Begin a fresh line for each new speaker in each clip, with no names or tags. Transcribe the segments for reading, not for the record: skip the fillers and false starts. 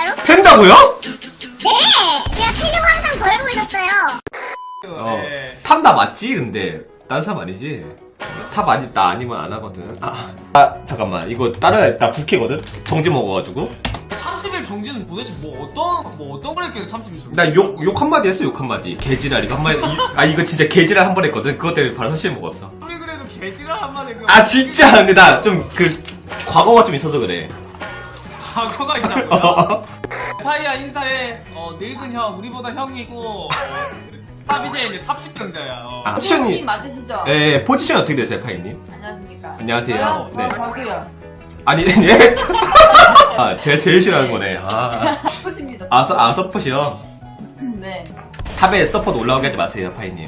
진짜로?
팬다고요?
네! 제가 팬이고 항상 벌고 있었어요.
탑 나 맞지? 근데 딴 사람 아니지? 탑 아니 나 아니면 안 하거든. 잠깐만 이거 다른 나 국회거든. 정지 먹어가지고
30일 정지는 도대체 뭐 어떤 걸 했길래 30일 정지?
나 욕 한마디 했어. 욕 한마디. 개지랄 이거 한마디. 이거 진짜 개지랄 한 번 했거든. 그것 때문에 바로 현실 먹었어.
우리 그래도 개지랄 한마디
진짜. 근데 나 좀 과거가 좀 있어서 그래.
과거가 있다고요? 파이야 인사해. 늙은 형 우리보다 형이고 스타 BJ는 탑 10강자야.
포지션이
맞으시죠?
예, 포지션 어떻게 되세요, 파이님?
안녕하십니까?
안녕하세요. 네.
저도요.
아니, 예. 제가 제일 싫어하는 거네.
좋습니다.
서폿이요.
네.
탑에 서폿 올라오게 하지 마세요, 파이님.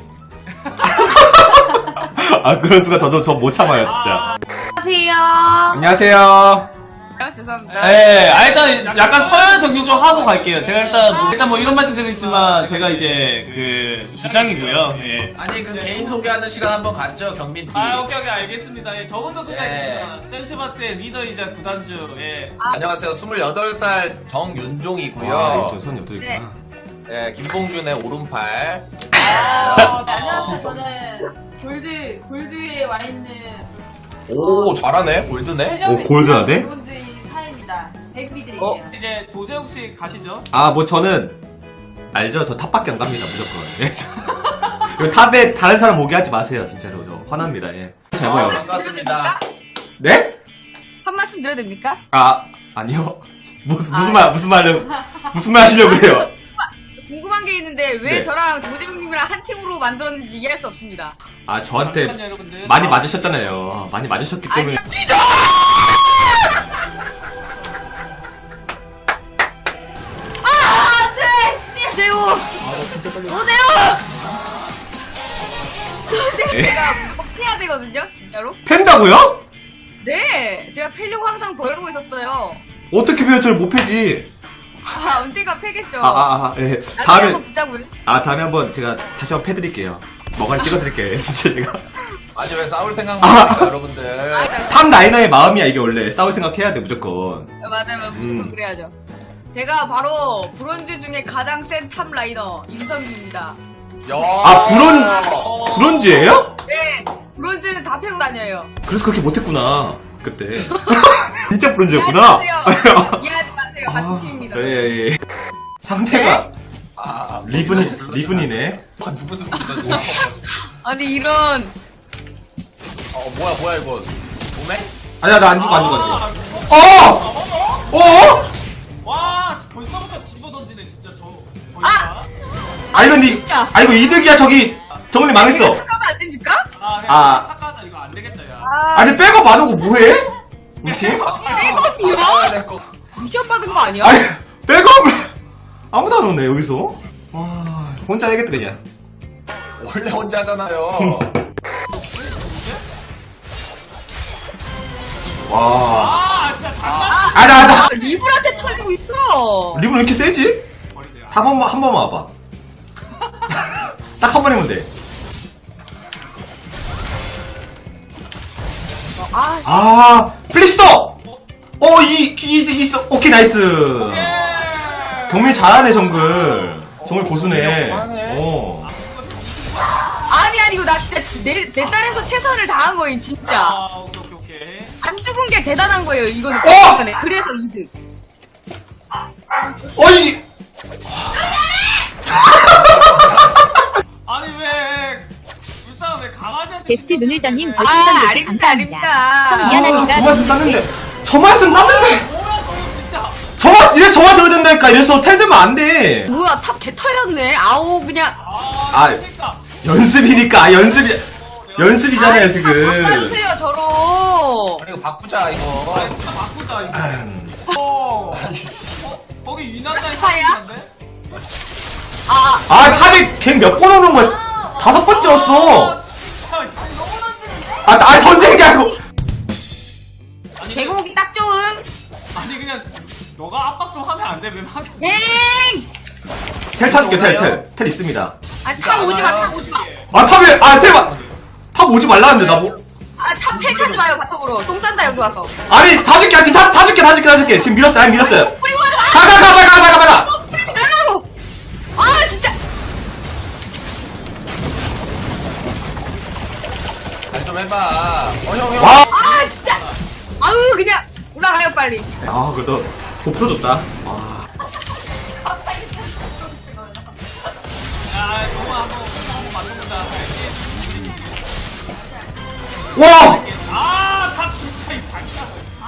그런 수가 저 못 참아요, 진짜.
안녕하세요.
안녕하세요.
죄송합니다.
네, 일단 약간 서열 정리 좀 하고 갈게요. 제가 일단 뭐 이런 말씀 드리지만 제가 이제 주장이고요. 예.
아니 그 개인 소개하는 시간 한번 갖죠 경민 팀.
오케이 알겠습니다. 예, 저부터 소개하겠습니다. 센츠바스의 리더이자 구단주. 예.
안녕하세요 28살 정윤종이고요.
와, 저 선이 어떻게 있구나.
네, 김봉준의 오른팔.
안녕하세요. 저는 골드에 와 있는
오 잘하네 골드네.
오, 골드하네?
브론즈인 사입니다. 백비들이에요.
이제 도재욱 씨 가시죠.
뭐 저는 알죠? 저 탑밖에 안 갑니다, 무조건. 예. 이거 탑에 다른 사람 오게 하지 마세요, 진짜로. 저 화납니다. 예. 잘 봐요.
반갑습니다.
네?
한 말씀 드려도 됩니까?
아니요. 무슨 말 하시려고 해요?
궁금한 게 있는데 왜
네.
저랑 도재병님이랑 한 팀으로 만들었는지 이해할 수 없습니다.
저한테
잠깐만요, 여러분들.
많이 맞으셨잖아요. 많이 맞으셨기 때문에.
뛰죠! 안돼! 씨! 재우! 오대우! 제가 무조건 패야 되거든요, 진짜로?
팬다고요?
네! 제가 패려고 항상 벌고 있었어요.
어떻게 배워 저를 못 패지?
언젠가 패겠죠.
예.
나중에
다음에,
한번 붙자고요.
다음에 한번 제가 다시 한번 패드릴게요. 머가리 찍어드릴게요, 진짜 제가.
아직 왜 싸울 생각만 합니까 여러분들.
탑 라이너의 마음이야, 이게 원래. 싸울 생각 해야 돼, 무조건.
맞아요, 무조건 그래야죠. 제가 바로 브론즈 중에 가장 센 탑 라이너 임성규입니다.
야.
브론즈예요?
네, 브론즈는 다 패고 다녀요.
그래서 그렇게 못했구나, 그때. 진짜 브론즈였구나.
이해하지 마세요. 같은 팀입니다.
예. 상대가 리븐이네.
누구
아니 이런
뭐야 이거 몸에?
아니야, 나 안 죽어.
와 벌써부터 집어 던지네 진짜 저.
이거 이득이야, 저기. 정리 망했어.
탁하면 안 됩니까?
탁하다 이거 안 되겠다 야.
아니, 백업 안 오고 뭐해? 우리 팀?
백업이요? 미션 받은 거 아니야?
아니, 백업을 아무도 안 오네, 여기서. 와, 혼자 해야겠다, 그냥.
원래 혼자 하잖아요.
와.
진짜 장난.
나.
리블한테 털리고 있어.
리븐 왜 이렇게 세지? 한 번만 와봐. 딱 한 번 하면 돼. 플리스터! 있어. 오케이, 나이스. 경민이 잘하네, 정글. 정글 고수네.
아니 이거 나 진짜 내 딸에서 최선을 다한 거임 진짜.
오케이.
안 죽은 게 대단한 거예요 이거는. 그래서 이득.
이게.
아니 왜 불쌍한 왜 강아지한테
게스트 눈을떠님
아닙니다.
미안하니까.
저 말씀 땄는데!
뭐야 저거 진짜.
저만 들어야 된다니까. 이래서 텔 되면 안 돼.
뭐야 탑 개 털렸네. 아우 그냥.
그러니까.
연습이니까. 연습이잖아요, 지금.
바꿔주세요 저로.
이거 바꾸자 이거.
진짜 바꾸자 이거. 거기 유난자에
파야?
있는데?
탑이 갱 몇 번 오는 거야? 5번째였어.
진짜 너무 던지는데?
전쟁이 아니고.
개고기 딱 좋음.
아니 그냥 너가 압박 좀 하면 안 돼? 왜 막?
엥.
텔 타줄게, 텔 있습니다.
탑 오지 마.
탑 오지 말라는데, 나 뭐.
탑 텔 타지 마요 바텀으로. 똥 싼다 여기 와서.
아니, 다 줄게. 지금 다 줄게. 지금 밀었어요.
뿌리고 가지 마.
가.
나가고! 아, 진짜!
잘 좀 해봐. 형.
와.
아, 진짜! 아우, 그냥 올라가요, 빨리.
아, 그래도 곱어줬다. 아.
야, 동아 한번 맞춰보자.
와!
아, 탑 진짜 이 장난.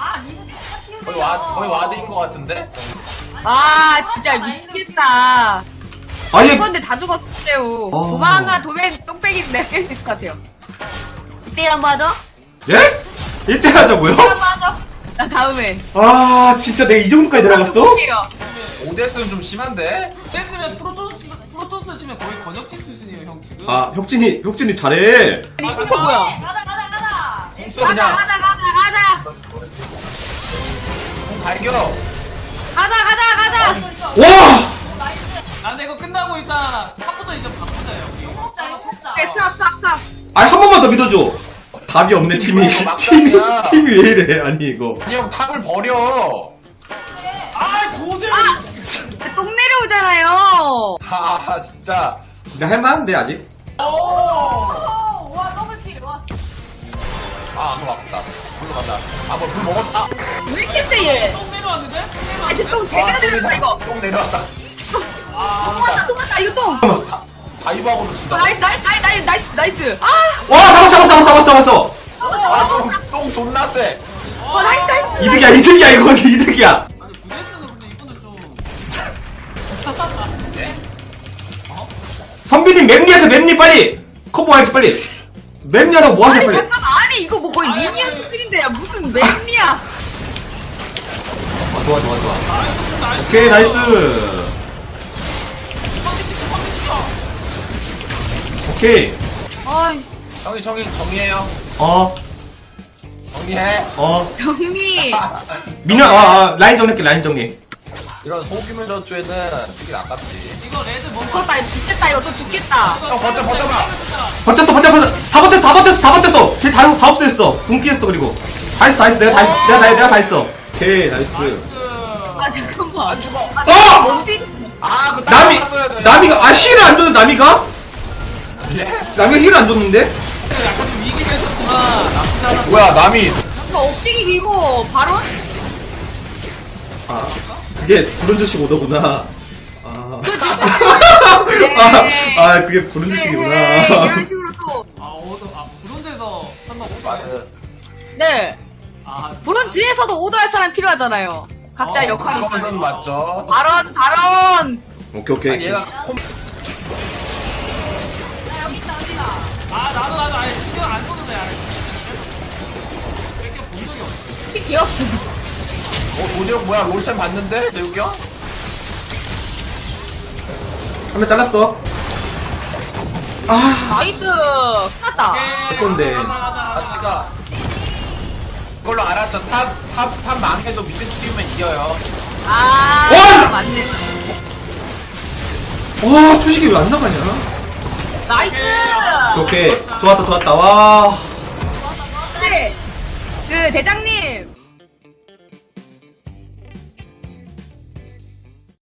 거의 와드인 것 같은데?
아, 진짜 미치겠다.
아니,
이건데 다 죽었어요.
어.
도망가, 도맨 똥배기 내가 깰 수 있을 것 같아요. 이때 한번 하죠?
예? 1대 하자고요?
이때 한번 하죠? 나 다음에.
아, 진짜 내가 이 정도까지 내려갔어?
볼게요.
오데스는 좀 심한데?
뺐으면 프로토스 치면 거의 권혁진 수준이에요, 형 지금.
아, 혁진이 잘해.
아니, 이거 뭐야?
공수
가자,
그냥
가자.
공 발겨.
가자.
와!
아, 근데 이거 끝나고 일단 탑부터 이제 바꾸자, 여기.
네, 싹.
아니, 한 번만 더 믿어줘. 답이 없네, 팀이.
막상이야.
팀이 왜 이래, 아니, 이거.
아니 형 탑을 버려.
아, 고질!
똥 내려오잖아요.
아 진짜.
근데 할만한데, 아직?
아 그거 아프다. 불로 간다. 아뭐불 먹었다.
왜 이렇게 세, 얘?
똥 내려왔는데?
아, 이제 똥 제대로 내려왔다, 이거.
똥 내려왔다.
똥 맞다, 이거 똥.
다이브하고도 진짜.
나이스. 아,
와, 잡았어.
똥 존나 세.
나이스.
이득이야, 이건 이득이야.
아니, 구데스는 근데 이분은 좀.
선비님, 맵리에서 빨리! 커버 와야지, 빨리! 맵리하라고 뭐 하세요,
아니,
빨리!
잠깐만. 아니, 이거 뭐 거의 미니언 수준인데, 무슨 맵이야.
좋아. 오케이, 나이스. 오케이.
어이,
형이 정리해요. 정리해.
정리.
민현, 라인 정리할게, 라인 정리.
이런 소규모 전투에는 되게 아깝지.
이거 레드 뭔가.
죽겠다, 이거 죽겠다, 이거 또 죽겠다.
형 버텨봐.
다 버텼어. 걔 다 없어졌어. 궁 피했어, 그리고. 다 했어. 내가 다 했어. 오케이, 나이스.
아, 잠깐만.
안 죽어.
뭔데?
아그
나미가, 힐을 안 줬는데, 나미가?
예?
나미가 힐을 안 줬는데?
약간 좀 이기긴 했었구나. 나쁘지 않아.
뭐야 남이.
이거 억지기 밀고, 바로?
아, 그게 브론즈식 오더구나. 아.
그 진짜.
그게 브론즈식이구나.
네, 이런 식으로 또.
그런 데서 한번
맞아.
네.
아,
브론즈에서도 오더할 사람 필요하잖아요. 각자 역할이
그거는
있어요.
맞죠.
발언.
오케이.
아니, 얘가
나도 아예 신경 안 썼는데, 아예. 이렇게 본 적이 없어.
귀엽.
도재욱 뭐야 롤챔 봤는데 재욱이 형?
한 명 잘랐어.
나이스. 끝났다.
건데.
같이 가. 그걸로 알았죠. 탑 망해도 미드 뛰면 이겨요.
아,
와!
맞네.
와, 투식이 왜 안 나가냐?
나이스.
오케이. 좋았다. 와.
네. 그 대장님